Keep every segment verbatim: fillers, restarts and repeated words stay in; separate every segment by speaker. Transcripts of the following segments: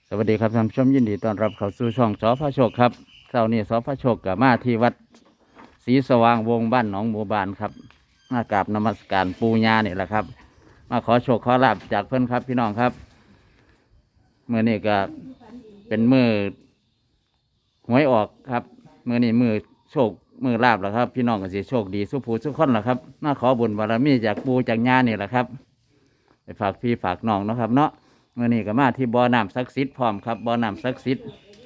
Speaker 1: สวัสดีครับท่านผู้ชมยินดีต้อนรับเข้าสู่ช่องสพระโชคครับเช้านี้สพระโชคกับมาที่วัดศรีสว่างวงบ้านหนองบัวบานครับมากราบนมัสการปูญาเนี่ยแหละครับ มาขอโชคขอลาบจากเพื่อนครับพี่น้องครับเมื่อนี้ก็เป็นมือหวยออกครับเมื่อนี้มือโชคมือลาบแล้วครับ พี่น้องก็สิโชคดีสุขผู้สุขคนแล้วครับมาขอบุญบารมีจากปูจากญาเนี่ยแหละครับไปฝากพี่ฝากน้องเนาะครับเนาะเมื่อนี้ก็มาที่บ่อน้ำศักดิ์สิทธิ์พร้อมครับบ่อน้ำศักดิ์สิทธิ์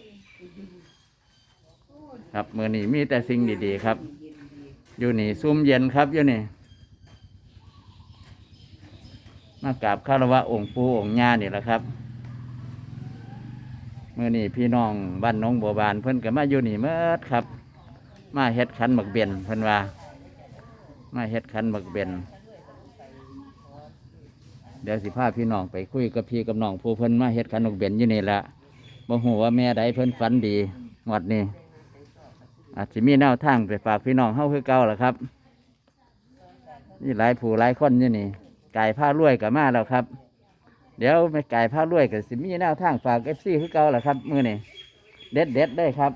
Speaker 1: ครับเมื่อนี้มีแต่สิ่งดีๆครับอยู่นี่ซุ่มเย็นครับอยู่นี่มากราบคารวะองค์ปู่องค์ย่านี่แหละครับเมื่อนี้พี่น้องบ้านหนองบัวบานเพิ่นก็มาอยู่นี่เมื่อครับมาเฮ็ดขันหมักเบียนเพิ่นว่ามาเฮ็ดขันหมักเบียนเดี๋ยวสิพาพี่น้องไปคุยกับพี่กับน้องผู้เพิ่นมาเฮ็ดขันหมักเบียนอยู่นี่ละบ่ฮู้ว่าแม่ใดเพิ่นฝันดีงวดนี้อาจจะมีแนวทางไปฝากพี่น้องเฮาคือเก่าล่ะครับนี่หลายผู้หลายคนอยู่นี่ไก่ผ้ารวยก็มาแล้วครับเดี๋ยวไม่ไก่ผ้ารวยก็สิมีแนวทางฝาก เอฟ ซี คือเก่าล่ะครับมื้อนี้เด็ดเด็ดได้ครับ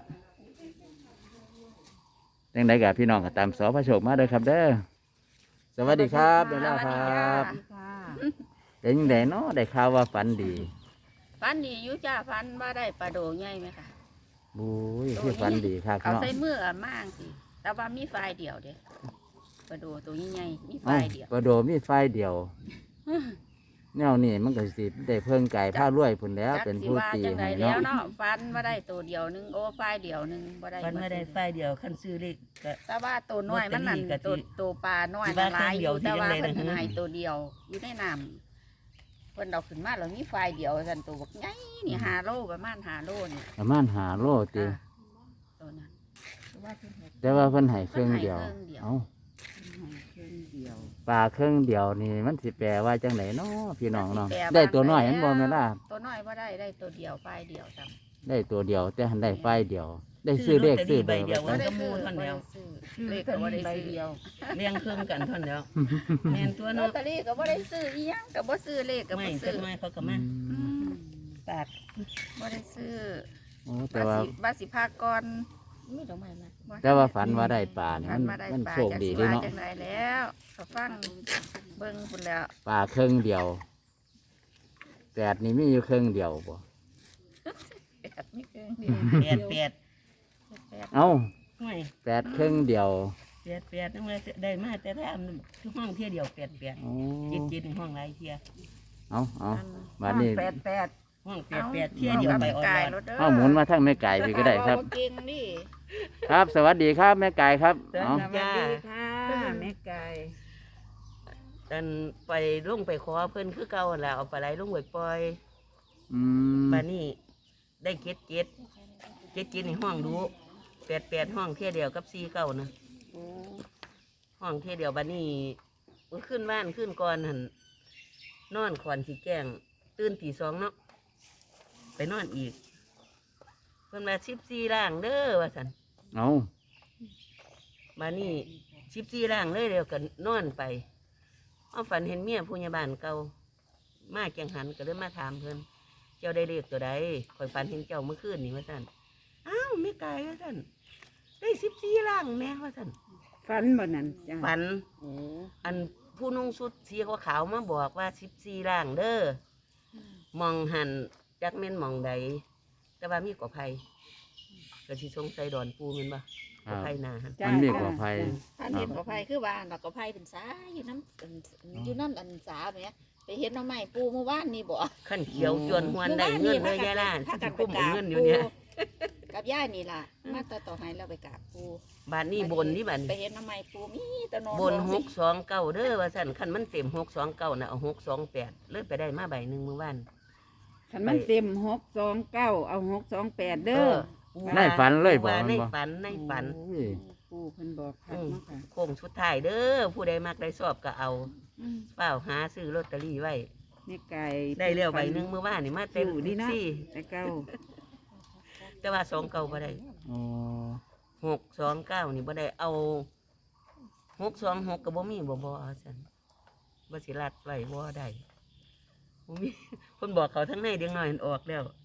Speaker 1: จังไดก็พี่น้องก็ตามสพระโชคมาเด้อครับเด้อสวัสดีครับเด้อครับเป็นจังไดเนาะได้ข่าวว่าฝันดี
Speaker 2: ฝันดีอยู่จ้าฝันว่าได้ปลาโดใหญ่ไหมคะ
Speaker 1: บุ้ยคือฝันดีครับ
Speaker 2: เอา
Speaker 1: เนาะ
Speaker 2: ใส่มืออ่ะมากสิแต่ว่ามีไฟเดียวเด้ปลาโดตัวใหญ่ๆมีไฟ
Speaker 1: เอ้า
Speaker 2: เดียว
Speaker 1: ปลาโดมีไฟเดียวแนวนี้มันก็สิได้เพิ่งไก่ผ้ารวยพุ่นแล้ว
Speaker 2: จัก
Speaker 1: เป็น
Speaker 2: สิ
Speaker 1: ผู้
Speaker 2: ว่า
Speaker 1: ตี
Speaker 2: จังได
Speaker 1: ให้
Speaker 2: แล้ว
Speaker 1: เนาะ
Speaker 2: เนาะฝันว่าได้ตัวเดียวหนึงโอ้ไฟเดียวหนึงบ่ได้
Speaker 3: มันไม่ได้ไฟเดียวคันซื้อเลขก็
Speaker 2: แต่ว่าตัวน้อยมันนั่น
Speaker 3: ลอตเตอรี่ก็สิ
Speaker 2: ตัวตัวปลาน้อย
Speaker 3: สิ
Speaker 2: มั
Speaker 3: ว่าน
Speaker 2: หลายอยู่
Speaker 3: เครื่
Speaker 2: แต่
Speaker 3: องเดียว
Speaker 2: ว่า
Speaker 3: ที่
Speaker 2: เพิ่น
Speaker 3: ยังไงนะ
Speaker 2: ให้ตัวเดียวอยู่ในน้ำเพิ่นเอาขึ้นมาแล้วมีไฟเดียวสั่นตัวบักใหญ่นี่ห้าโลประมาณห้าโลนี่
Speaker 1: ประมาณหาโลติ
Speaker 2: อ่าตัวนั้น
Speaker 1: แต่ว่าเพิ่นให้เครื่องเดียว
Speaker 2: เพิ่นให้เครื่องเดียว
Speaker 1: เอ้า
Speaker 2: เครื่องเดียว
Speaker 1: ปลาเครื่องเดียวนี่มันสิแปลว่าจังไหนเนาะพี่น้องเนาะ
Speaker 2: มันสิแปลว่า
Speaker 1: ได้ตัวน้อยมันบ่แม่นล่ะ
Speaker 2: ตัวน้อยว่าได้ได้ตัวเดียวไฟเดียวจ้ะ
Speaker 1: ได้ตัวเดียว แต่หันได้ไฟเดียว ได้ซื้อเลขซื้อเบอร์
Speaker 3: เดียว
Speaker 1: ไว้
Speaker 3: มันก็มูเท่านั้นแล้ว
Speaker 2: เลขก็บ่ได้ซื้อเดียว
Speaker 3: เลี้ยงเครื่องกันเท่านั้นแล้วแม่นตัว
Speaker 2: ลอ
Speaker 3: เนาะ
Speaker 2: ตเตอรี่ก็บ่ได้ซื้ออีหยังก็บ่ซื้อเลขก็
Speaker 3: ไม่
Speaker 2: บ่
Speaker 3: ก็
Speaker 2: ซื้อ
Speaker 3: ไม่เขาก็
Speaker 1: อื
Speaker 3: มาม
Speaker 2: อืม
Speaker 3: ปาก
Speaker 2: บ่ได้ซื้อ
Speaker 1: โอ้แต่
Speaker 2: ว่า
Speaker 1: ว่า
Speaker 2: สิว่าสิพากก่อนมีดอกไม้มา
Speaker 1: แต่ว่าฝันว่าได้ปลานี่
Speaker 2: ฝั
Speaker 1: มัน น
Speaker 2: มาได้
Speaker 1: มัน
Speaker 2: ปลา
Speaker 1: โชค
Speaker 2: จาก
Speaker 1: ดี
Speaker 2: สิ
Speaker 1: เด้
Speaker 2: ว่า
Speaker 1: เนาะ
Speaker 2: จังไดแล้วก็ฟังเบิ่งพุ่นแล้ว
Speaker 1: ปลาเครื่องเดียวแปดนี่มีอยู่เครื่องเดียวบ่
Speaker 2: แปดมีเครื่องเดียว
Speaker 3: แปดแปด
Speaker 2: แปด
Speaker 1: เอ้า
Speaker 3: ไม่
Speaker 1: แปดเครื่องเดียว
Speaker 3: แปดแปดนั่นเลยได้มาแต่ถ้าทุกห้องเที่ยเดียวแปดแปด
Speaker 1: โอ้
Speaker 3: จิตจิตห้องไรเที่ย
Speaker 1: เอาเอา
Speaker 2: อัน
Speaker 1: บัดนี้
Speaker 2: แปดแปด
Speaker 3: ห้องแปดแปดเที่ยเดียวไปออน
Speaker 2: กาย
Speaker 3: ไลน์
Speaker 2: รถเด้อ
Speaker 1: เอาหมุนมาทั้งแม่ไก่พี่ก็ได้ครับ
Speaker 2: แต่ว่าเก่งนี่
Speaker 1: ครับ สวัสดีครับแม่ไก่ครับเอา
Speaker 2: สวัสดีค่ะแม่ไก่
Speaker 3: ดันไปลงไปขอเพิ่นคือเก่าหั่นล่ะเอาปลาไหลลงไปปล่อย
Speaker 1: อืม
Speaker 3: ปลานี่ได้เจ็ดเจ็ดเจ็ดเจ็ดในห้องดูแปดแปดห้องเที่ยเดียวกับสี่เก้านะห้องเที่ยเดียวบัดนี้มันขึ้นบ้านขึ้นก่อนหันนอนขอนสีแกงตื่นตีสองเนาะไปนอนอีกเพิ่นมาสิบสี่ร่างเด้อว่าสัน
Speaker 1: เอา
Speaker 3: บัดนี้สิบสี่ร่างเลยเดียวกันนอนไปเอาฝันเห็นเมียผู้ใหญ่บ้านเก่ามาแกงหันก็เลยมาถามเพิ่นเจ้าได้เลขตัวใดคอยฝันเห็นเจ้าเมื่อคืนนี่ว่าสันอ้าวไม่ไกลว่าสันได้สิบสี่ร่างแม่ว่าสัน
Speaker 2: ฟันบ่นั่นจ้ะ
Speaker 3: ฝัน
Speaker 2: โอ้
Speaker 3: อันผู้นุ่งชุดสีขาวๆมาบอกว่าสิบสี่ร่างเด้อมองหันจักเม่นมองใดแต่ว่ามีกว่าไผ่ก็สิสงสัยดอนปูแมันบ่
Speaker 1: ค
Speaker 3: กว่า
Speaker 1: รับ
Speaker 3: ไผ่นาหัน
Speaker 1: มันมีกว่าภัย
Speaker 2: พันเห็นกอไผ่คือว่าดอกกอไผ่เป็นสายอยู่น้ำอันอยู่น้ำอันสาแหมไปเห็นน้องใหม่ปูเมื่อวานนี่บ่
Speaker 3: ขั้นเขียวจวนหวนได้เงินเลยยายล่ะ
Speaker 2: ถ้า
Speaker 3: สิ
Speaker 2: กันไป
Speaker 3: คุ้ม
Speaker 2: กราบ
Speaker 3: เอาเงินอยู่เนี่ย
Speaker 2: กับย่านี่ล่ะ มาต่อต่อให้เราไปกราบปู
Speaker 3: บานนี้บนนี่บัน
Speaker 2: ไปเห็นน้องใหม่ปูมีแตะนอน
Speaker 3: บนหกสองเก้าเด้อว่าสั่นคันมันเต็มหกสองเก้าน่ะเอาหกสองแปดเลิกไปได้มาใบหนึ่งเมื่อวาน
Speaker 4: คันมันเต็มหกสองเก้าเอาหกสองแปดเด้อ
Speaker 1: ในฝันเลยบอก
Speaker 3: ว่า
Speaker 1: มัน
Speaker 3: ใน
Speaker 1: บ่
Speaker 3: ฝันในฝัน
Speaker 1: โอ้ย
Speaker 4: ปู่เพิ่นบอกคักเนาะค่ะ
Speaker 3: โค้งสุดท้ายเด้อผู้ใดมักได้สอบก็เอา
Speaker 2: อืม
Speaker 3: เปล่าหาซื้อลอตเตอรี่ไว้
Speaker 4: แม่ไก่
Speaker 3: ได้เร็วใบหนึ่งเมื่อวานนี่มาเต็ม
Speaker 4: อยู่ดีเนาะ
Speaker 3: สี่
Speaker 4: แต่เก้า
Speaker 3: แต่ว่าสองเก้าบ่ได้
Speaker 1: อ๋อ
Speaker 3: หกสองเก้านี่บ่ได้เอาหกสองหกกับบ่มีบ่บ่เอาซั่นบ่สิรัดไว้บ่ได้บ่มี คนบอกเขาทั้งในเด็กน้อยมันออกแล้ว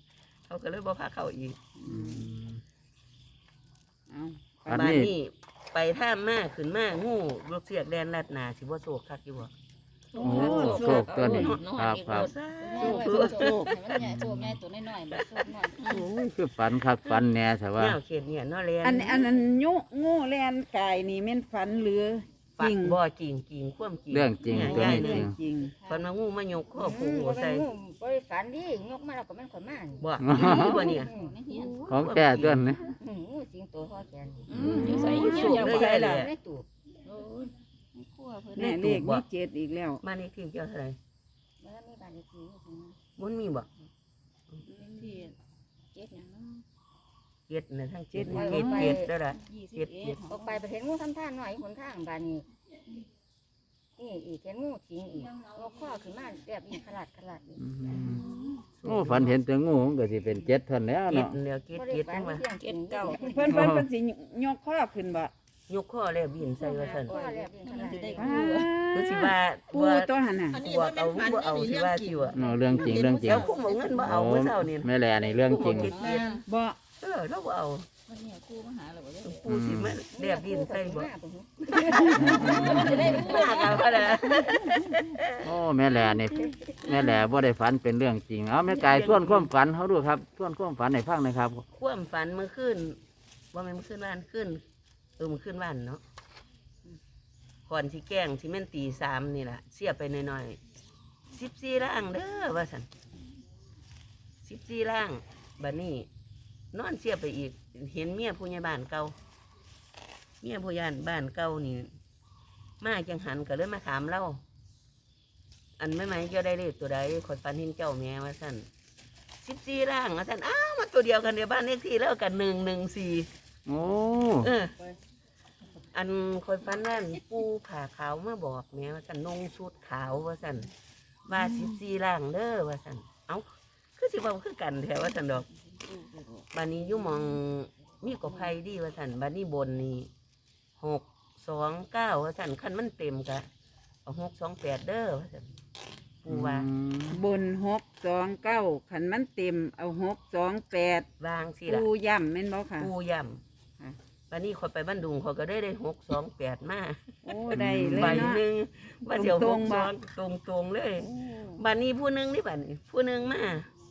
Speaker 3: เขาก็เลยบ่พาเข้าอีก
Speaker 1: อืม
Speaker 4: เอา
Speaker 1: อัน
Speaker 3: บ้าน
Speaker 1: นี้
Speaker 3: นี้ไปท่ามมาขึ้นมางูลูกเสียกแดนลัดหนาสิบ่โศกคักอยู่บ่
Speaker 1: โอ้โชคตัวนี้ครับครับ
Speaker 2: โชคโชคให้มันใหญ่โชคใหญ่ตัวน้อยๆบ่โชคน้อย
Speaker 1: โอ้ยคือฝันคักฝันแหน่แต่ว่า
Speaker 3: แนวเขตเนี่ยเนาะแลน
Speaker 4: อันอันนั้นยุงูแลนกายนี่แม่นฝันหรือจ
Speaker 3: ปั
Speaker 4: ริ
Speaker 3: ก
Speaker 4: ง
Speaker 3: บ่จริงจริงความจริง
Speaker 1: เรื่องจริง
Speaker 3: เนี่ย
Speaker 1: ตัว
Speaker 3: ยาย
Speaker 1: นี้
Speaker 3: เนี่
Speaker 1: จริ
Speaker 3: ย
Speaker 1: ง
Speaker 4: จริง
Speaker 3: ฝันว่างูมายกข้อ
Speaker 2: ๆ
Speaker 3: ผูใส่
Speaker 2: บ่ได้ฝันดิยกมาแล้วก็มันขอยมานี่
Speaker 3: บ่นี่บ่เนี่ย
Speaker 2: อืมในเฮียน
Speaker 1: ของแก่ตัวนี้
Speaker 2: อืมงูสิงโตพ่อแกน
Speaker 3: อืมอยู่ใส่อยู่
Speaker 2: อยู่
Speaker 3: อยู่
Speaker 2: ใส่
Speaker 3: เลย
Speaker 2: ล่ะ
Speaker 3: ยาย
Speaker 2: ในตู้โอ้ยในครัวเพิ่น
Speaker 4: แน่เลขมีเจ็ดอีกแล้ว
Speaker 3: บ้านนี้ที่เจ้าเท่าไหร่
Speaker 2: แล้วมีบ้านเลขที่อยู่ตรงนั้น
Speaker 3: มันมีบ่
Speaker 2: ที่เจ็ดหยังเนาะ
Speaker 3: เจ็ดนะทั้งเจ็ด
Speaker 2: เจ็ด
Speaker 3: เจ็ดเจ็ดแล้วล่ะ
Speaker 2: ยี่สิบ
Speaker 3: เจ็ดเจ็
Speaker 2: เอ็
Speaker 3: ด
Speaker 2: ดออกไปไปเห็นงูทำท่าหน่อยหนทางบ้านนี้นี่อีกเห็นงูสิงอีกงกข้อขึ้นมาแบบอีกขลาดขลาดอีก
Speaker 1: อืมโอ้ฝันเห็นแต่งูมันก็สิเป็นเจ็ดเท่านนแล้ว
Speaker 3: เจ็ด
Speaker 1: เนาะ
Speaker 3: แล้วเจ็ด
Speaker 2: บ่ได้
Speaker 3: เจ็ด
Speaker 2: ฝั
Speaker 3: จั
Speaker 2: น
Speaker 3: งว่า
Speaker 2: เพียงเจ็ดเก้า
Speaker 4: เพิ่นเพิ่นเพิ่นสิยกข้อขึ้นบ่
Speaker 3: ยกข้อแล้วบินใส่ว่าซั่น
Speaker 2: ข้อแล้วอีกขลาดอีก
Speaker 4: ว้า
Speaker 3: คือสิว่า
Speaker 4: ปู
Speaker 3: ว่า
Speaker 4: ตัวหั่นน่ะ
Speaker 3: บวกเอาบ่เอาสิว่าสิว่า
Speaker 1: เนาะเรื่องจริงเรื่องจริง
Speaker 3: เดี๋ยวผมเอาเงินบ่เอาเมื่อเช้านี่
Speaker 1: แม่แลนี่เรื่องจริง
Speaker 3: เจ็ดเจ็ด
Speaker 4: บ่
Speaker 3: เออเราบ่เอา
Speaker 2: วันนี้ครูมาหาเราบ่ได้
Speaker 3: ปูสิมาเรียบดินใส่บ่
Speaker 2: จะได้
Speaker 3: มากันก็ได้
Speaker 1: โอ้แม่แลนี่แม่แลบ่ได้ฝันเป็นเรื่องจริงเอาแม่ไก่ทวนความฝันเขาดูครับทวนความฝันให้ฟังหน่อยครับ
Speaker 3: ความฝันเมื่อคืนว่ามันเมื่อคืนวันขึ้นเออเมื่อคืนวันเนาะก่อนที่แกล้งที่แม่นตีสามนี่แหละเสียไปหน่อยๆสิบสี่ร่างเด้อว่าสันสิบสี่ร่างบัดนี้นอนเสียไปอีก เห็นเมียผู้ใหญ่บ้านเก่าเมียผู้ใหญ่บ้านเก่านี่มาจังหันก็เลยมาถามเราอันไม่ไหมเจ้าได้เลขตัวใดขอยฝันเห็นเจ้าแม่ว่าสันสิบสี่ร่างว่าสันอ้าวมาตัวเดียวกันเดียวบ้านเลขที่แล้วกันหนึ่งหนึ่งสี่
Speaker 1: โอ้
Speaker 3: เออ อันคอยฟันนั่นปูผ่าขาวมาบอกแม่ว่าสันนงสุดขาวว่าสันว่าสิบสี่ล่างเด้อว่าสันเอ้าคือสิเว่าคือกันแถวว่าสันดอกบานนี้อยุ่หมองมีกบไผ่ดีว่าสันบานนี้บนนี่หกสองเก้าว่าสันคันมันเต็มกะเอาหกสองแปดเด้อว่าสันปูว่า
Speaker 1: อืม
Speaker 4: บนหกสองเก้าขันมันเต็มเอาหกสองแปด
Speaker 3: วางสิ
Speaker 4: ปู
Speaker 3: ล่ะ
Speaker 4: ย่ำแม่นบ่ค่ะ
Speaker 3: ปูย่
Speaker 4: ค่ะ
Speaker 3: ำบานนี้คอยไปบ้านดุงเขาก็ได้ได้หกสองแปดมา
Speaker 4: โอ้ได้เลย
Speaker 3: ใบ
Speaker 4: เนาะ
Speaker 3: หนึ่งว่าเดี๋ยว
Speaker 4: ต
Speaker 3: ห
Speaker 4: รง
Speaker 3: ก
Speaker 4: ๆ
Speaker 3: ส
Speaker 4: บ่
Speaker 3: องตรงตรงๆเลยบ้านนี้ผู้หนึ่งนี่บ้านนี้ผู้หนึ่งมา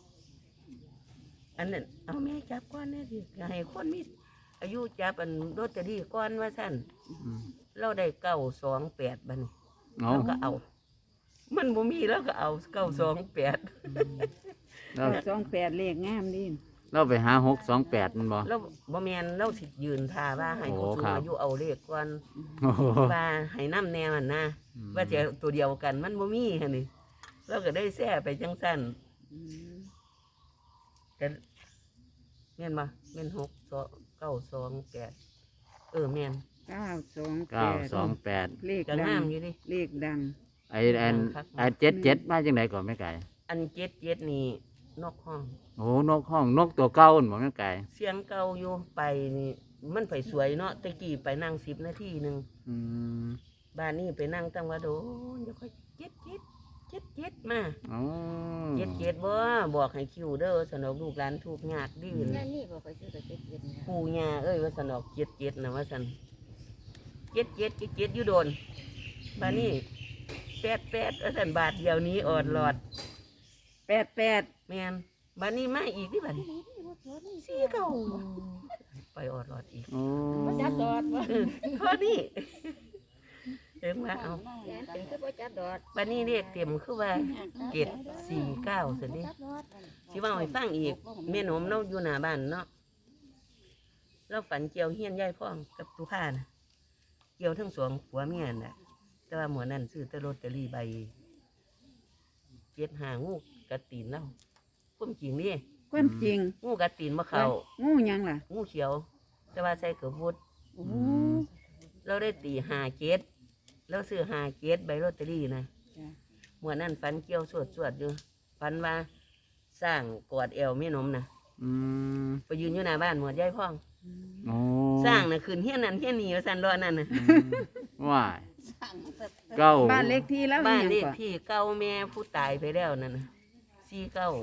Speaker 3: อันนั้นเอาแม่จับก้อนนี่ดิให้คนมีอายุจับอันโรตเตอรี่ก้อนว่าสั้น
Speaker 1: อืม
Speaker 3: เราได้เก้าสองแปดบ้านนี้
Speaker 1: เอา
Speaker 3: เราก็เอา มันบ่มีแล้วก็เอาเก้าสองแปด
Speaker 1: เรา
Speaker 4: สองแปดเลขงามดิ
Speaker 1: เราไปหาหกสองแปดมันบ่
Speaker 3: เราบ่แมนเราสิยืนท่าว่าให้
Speaker 1: โอ้
Speaker 3: ผู้สูง
Speaker 1: ครับ
Speaker 3: อายุเอาเลขก่อน
Speaker 1: โอ้โห
Speaker 3: ว่าให้น้ำแนวมันนะว่าจะตัวเดียวกันมันบ่มีหั่นนี่เราก็ได้แซ่ไปจังสั้น
Speaker 4: อืม
Speaker 3: แต่แม่นบ่แม่นหกสองเก้าสองแปดเออแม่น
Speaker 4: เก้าสองแป
Speaker 1: เก้า
Speaker 4: ด
Speaker 1: สองแปด
Speaker 4: เลข
Speaker 3: ก็
Speaker 4: ดั
Speaker 3: งาง มอยู่ดิ
Speaker 4: เลขดัง
Speaker 1: ไอ้ไอ้ไอ้เจ็ดเจ็ดมาจังไหนก่อนแม่ไก่
Speaker 3: อันเจ็ดเจ็ดนี่นอกห้อง
Speaker 1: โอ้นกห้องนกตัวเก่าหั่นบ่แม่ไก่
Speaker 3: เสียงเก่าอยู่ไปนี่มันไปสวยเนาะตะกี้ไปนั่งสิบนาทีหนึ่ง
Speaker 1: อืม
Speaker 3: บ้านนี้ไปนั่งตั้งว่าโดนเดี๋ยวค่อยเจ็ดเจ็ดเจ็ดเจ็ดมา
Speaker 1: อ๋อ
Speaker 3: เจ็ดเจ็ดบ่บอกให้คิวเด้อสนอกลูกหลานถูกยากดี
Speaker 2: นั่นนี่บ่ค่อยซื้อกับเจ็ดเจ็ดนี่
Speaker 3: ปู่ย่าเอ้ยว่าสนอกเจ็ดเจ็ดนะว่าสันเจ็ดเจ็ดเจ็ดเจ็ดอยู่โดนบ้านนี้แปดแปดว่าสันบาทเดียวนี้ออดหลอด
Speaker 4: แปดแปด
Speaker 3: แมนบ้านนี้มาอีกที่บ้านสี่เก้าไปออดหลอดอีก
Speaker 1: โอ้
Speaker 2: บ่จับดอดบ่
Speaker 3: เออข้อนี้เอ็งว่าเอา
Speaker 2: แม่นเป็นคือบ่จับดอด
Speaker 3: บ้านนี้เรียกเต็มคือว่าเจ็ดสี่เก้าสินี่สิว่าให้ฟังอีกแม่หนมเนาะอยู่หน้าบ้านเนาะเราฝันเกี่ยวเฮียนยายพ่องกับตุผ้านะเกี่ยวทั้งสองผัวเมียน่ะ แต่ว่าหมวนั่นซื้อแตลอตเตอรี่ใบเจ็ดหางูกระตีนเล่าพุ่มจริงนี่
Speaker 4: ความจริง
Speaker 3: งูกระตีนมะเขา
Speaker 4: งูหยังล่ะ
Speaker 3: งูเขียว แต่ว่าใส่เกือบวุด
Speaker 4: โอ้
Speaker 3: เราได้ตีหาเกตเราซื้อหาเกตใบลอตเตอรี่นะ
Speaker 4: จ้ะ
Speaker 3: หมวนั่นฝันเกี่ยวสวดสวดอยู่ฝันว่าสร้างกอดเอวแม่นมนะ
Speaker 1: อืม
Speaker 3: ไปยืนอยู่หน้าบ้านหมวดยายพ่อง
Speaker 1: โอ้
Speaker 3: สร้างนะคืนเฮี้ยนนั่นเฮี้ยนนี่ว่าสันรอนั่นนะ
Speaker 1: อืมว้าย
Speaker 2: สั่งแต่
Speaker 1: เก้า
Speaker 4: บ้านเลขที่แล้ว
Speaker 3: บ้าน
Speaker 4: อีหยัง
Speaker 3: เลข
Speaker 4: ก่อ
Speaker 3: ที่เก้าแม่ผู้ตายไปแล้วนั่นนะสี่เก้า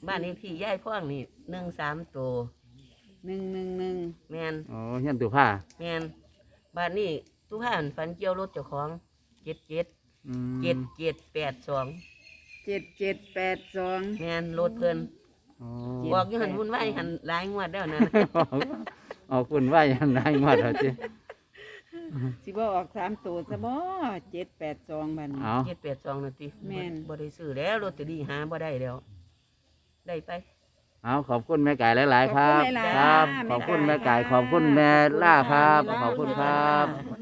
Speaker 3: บ้านนี้ที่ย่ายพ่องนี่หนึ่งสามตัว
Speaker 4: หนึ่งหนึ่งหนึ่ง
Speaker 3: แมน
Speaker 1: อ๋อเฮียนตู้ผ้า
Speaker 3: แมนบ้านนี้ทุกท่านฝันเกี่ยวรถเจ้าของเจ็ดเจ็ด
Speaker 1: อืม
Speaker 3: เจ็ดเจ็ดแปดสอง
Speaker 4: เจ็ดเจ็ดแปดสอง
Speaker 3: แมนรถเพิ่น
Speaker 1: อ๋อ
Speaker 3: บอกอยู่หันวุ่นวายหันหลายงวดแล้วนะ
Speaker 1: ออกคุณว่าอย่างไรหมดแล้วจิ
Speaker 4: สิบ่ออกสามตัวซะบ่เจ็ดแปดสองบัดน
Speaker 1: เอา
Speaker 3: เจ็ดแปดสองนาที
Speaker 4: แม่น
Speaker 3: บ่ได้ซื้อแล้วรถจะดีหาบ่ได้แล้ว ได้ไป
Speaker 1: เอาขอบคุณแม่ไก่หลาย ๆ ครับ
Speaker 4: ขอบคุณหลายๆ
Speaker 1: ครับ
Speaker 4: แม่
Speaker 1: ขอบคุณ
Speaker 4: ไก่
Speaker 1: แม่ไก่
Speaker 4: ค่ะ
Speaker 1: ขอบคุณแม่ล่าครับ
Speaker 4: ขอบคุณ
Speaker 1: ขอบคุณค
Speaker 4: ค่ะ
Speaker 1: รับ
Speaker 2: ขอบคุณ